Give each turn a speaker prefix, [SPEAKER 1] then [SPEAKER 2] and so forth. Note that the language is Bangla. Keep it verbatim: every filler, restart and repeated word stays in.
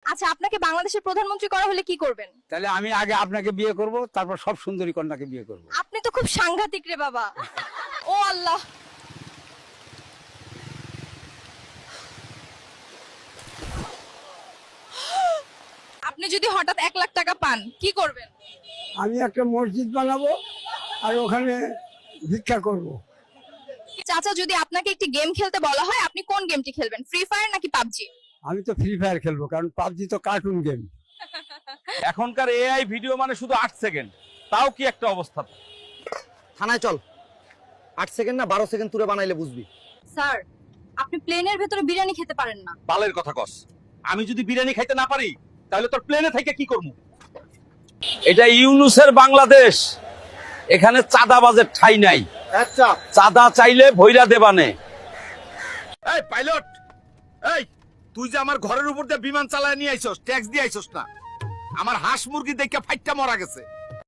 [SPEAKER 1] আচ্ছা, আপনাকে বাংলাদেশের প্রধানমন্ত্রী করা হলে কি করবেন?
[SPEAKER 2] তাহলে আমি আগে আপনাকে বিয়ে করব, তারপর সব সুন্দরী কন্যাকে বিয়ে করব।
[SPEAKER 1] আপনি তো খুব সাংঘাতিক রে বাবা। ও আল্লাহ। আপনি যদি হঠাৎ এক লাখ টাকা পান কি করবেন?
[SPEAKER 3] আমি একটা মসজিদ বানাবো আর ওখানে ভিক্ষা করব।
[SPEAKER 1] চাচা, যদি আপনাকে একটি গেম খেলতে বলা হয় আপনি কোন গেমটি খেলবেন? ফ্রি ফায়ার নাকি পাবজি?
[SPEAKER 3] আমি তো ফ্রি ফায়ার খেলবো, কারণ পাবজি তো কার্টুন গেম।
[SPEAKER 4] এখনকার এআই ভিডিও মানে শুধু আট সেকেন্ড, তাও কি একটা অবস্থা।
[SPEAKER 5] থানায় চল, আট সেকেন্ড না বারো সেকেন্ড তুলে বানাইলে বুঝবি।
[SPEAKER 1] স্যার, আপনি প্লেনের ভেতরে বিরিয়ানি খেতে পারেন না।
[SPEAKER 4] বালের কথা কস। আমি যদি বিরিয়ানি খাইতে না পারি তাহলে তোর প্লেনে থেকে কি করবো? এটা ইউনুসের বাংলাদেশ, এখানে চাঁদাবাজের ঠাঁই নাই।
[SPEAKER 5] আচ্ছা,
[SPEAKER 4] চাঁদা চাইলে ভৈরা দেবানে। এই পাইলট, এই তুই যে আমার ঘরের উপর দিয়ে বিমান চালায় নিয়ে আইছস, ট্যাক্স দিয়ে আইছস না? আমার হাঁস মুরগি দেখে ফাইটটা মরা গেছে।